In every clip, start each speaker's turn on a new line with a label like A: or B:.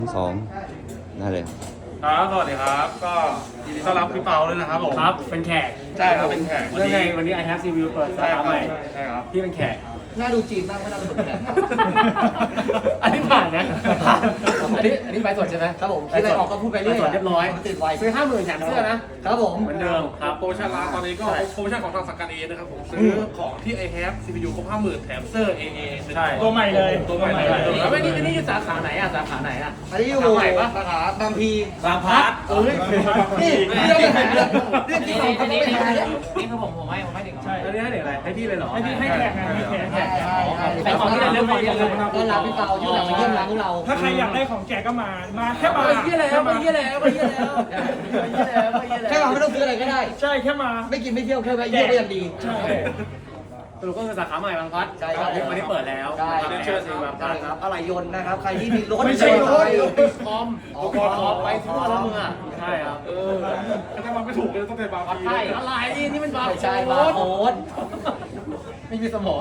A: 2ได้เลย
B: ครับสวัสดีครับก็ยินดีต้อนรับพี่เปาด้วยนะครับผม
C: ครับเป็นแขก
B: ใช่ครับเป็นแขก
C: เรื่องไงวันนี้ I have CPU เปิดสาขาใหม่
B: ใช่ครับ
C: พี่เป็นแขก
D: น่าดูจีนมากไม่น่าเป็นแขก
C: อันนี้ผ่านนะอันนี้ใบสดใช่ไหม
D: ครับผมที่ไรออกก็พูดไปเรื่อย
C: เรียบร้อย
D: ติดไว
C: ซื้อ50,000แถมเสื้อนะครับ
D: ผม
C: เหมือนเดิมครับ
B: โปรโมชั่นร้านตอนนี้ก็โปรโมชั่นของทางสังกัดเอนะครับผมซื้อของที่ I have CPU ครบ 50,000 แถมเซอร์ AA
C: ใช่
B: ตัวใหม่เลยตัวใหม่เลย
C: แล้วนี่อยู่สาขาไหนอ่ะสาขาไหนอ่ะ
D: อันนี้อยู่
C: ใหม่ปะ
D: สาขาบางพี
C: บางพัด
D: นี่เรื่องอะไรเรื่องที่เราเขาไม่ได้เนี่ย
C: นี่คือผมให้เด็กใช่แล้วนี่ให้เด็กอะไรให้พี่เลยเหรอให้แขกให้แขก
D: ใช่ของที่เราเรื่องของที่เราต้อนรับพี่เปาที่เรามาเยี่ยมร้านของเรา
E: ถ้าใครอยากได้ของแจกก็มาแค่มา
C: ไปเยี่ยแล้วไปเยี่ยแล้วไปเยี่ยแล้วไปเยี่ยแล้วไปเยี่ยแล้ว
D: แค่มาไม่ต้องซื้ออะไรก็ได้
E: ใช่แค่มา
D: ไม่กินไม่เที่ยวแค่ไปเยี่ยมก็ยังดี
E: ใช่
C: สรุปก็คือสาขาใหม่บางพัด
D: ใช่ครับ
C: วันนี้เปิดแล้ว
D: ใช่
C: เรียนเชิญสิบางพั
D: ใช่
C: ด
D: ครับอะไรยนต์นะครับใครที่มีรถ
E: ไม่ใช่รถ
C: คอมไปทั่วแล้วมึงอ่ะใช่ครับ
B: ก็จะมาไม่ถูกเลยต้องเป็นบางพี
C: ใช่อะไรนี่มันบาร์
D: ไม่
C: โค้
D: ใช่
C: ด
D: บาร์โค้ด
C: ไม่มีสมอง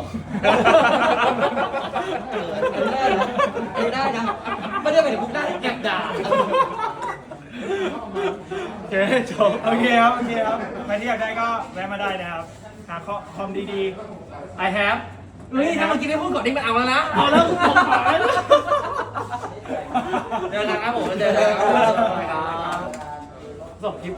D: ไม่ได้นะไม่ได้ไปถึงพุกได้แอบด่า
C: โอเคจบ
E: โอเคครับใครที่อยากได้ก็แวะมาได้นะครับหาคอมดี
C: I have เฮ้ยถ้าเมื่อกี้ได้พูดก่อนนี่มันเอาแล้วนะ
E: เอาแล้วผมขาย
C: เดินทางครับผมเดินทางครับส่งคลิป